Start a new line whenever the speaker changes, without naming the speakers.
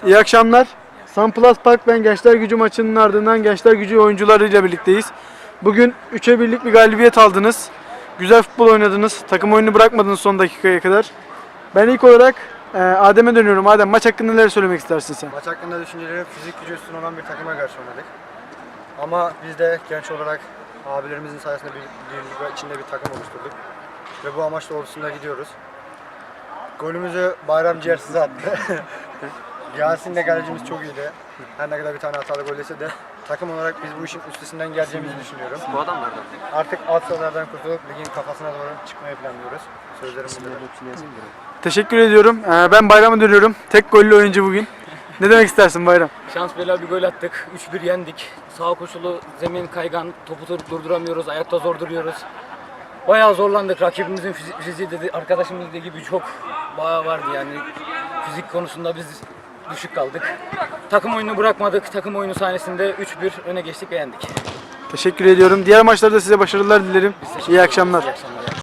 İyi akşamlar. Sunplus Park ben Gençler Gücü maçının ardından Gençler Gücü oyuncularıyla birlikteyiz. Bugün 3'e 1'lik bir galibiyet aldınız. Güzel futbol oynadınız. Takım oyunu bırakmadınız son dakikaya kadar. Ben ilk olarak Adem'e dönüyorum. Adem, maç hakkında neler söylemek istersin sen?
Maç hakkında düşüncelerim, fizik gücü üstün olan bir takıma karşı oynadık. Ama biz de genç olarak abilerimizin sayesinde bir içinde bir takım oluşturduk. Ve bu amaç doğrultusunda gidiyoruz. Golümüzü Bayram Ciğersiz attı. Yasin de kalecimiz çok iyiydi. Her ne kadar bir tane hatalı gol yese de takım olarak biz bu işin üstesinden geleceğimizi düşünüyorum.
Bu adam nereden?
Artık alt sıralardan kurtulup ligin kafasına doğru çıkmayı planlıyoruz. Sözlerim bunlar.
Teşekkür ediyorum. Ben Bayram'a dönüyorum. Tek gollü oyuncu bugün. Ne demek istersin Bayram?
Şans bela bir gol attık. 3-1 yendik. Sağ koşulu, zemin kaygan, topu durduramıyoruz, ayakta zor duruyoruz. Bayağı zorlandık. Rakibimizin fiziği dedi, arkadaşımız dediği gibi çok bayağı vardı yani. Fizik konusunda biz düşük kaldık. Takım oyunu bırakmadık. Takım oyunu sahnesinde 3-1 öne geçtik ve yendik.
Teşekkür ediyorum. Diğer maçlarda size başarılar dilerim. İyi akşamlar.
İyi akşamlar.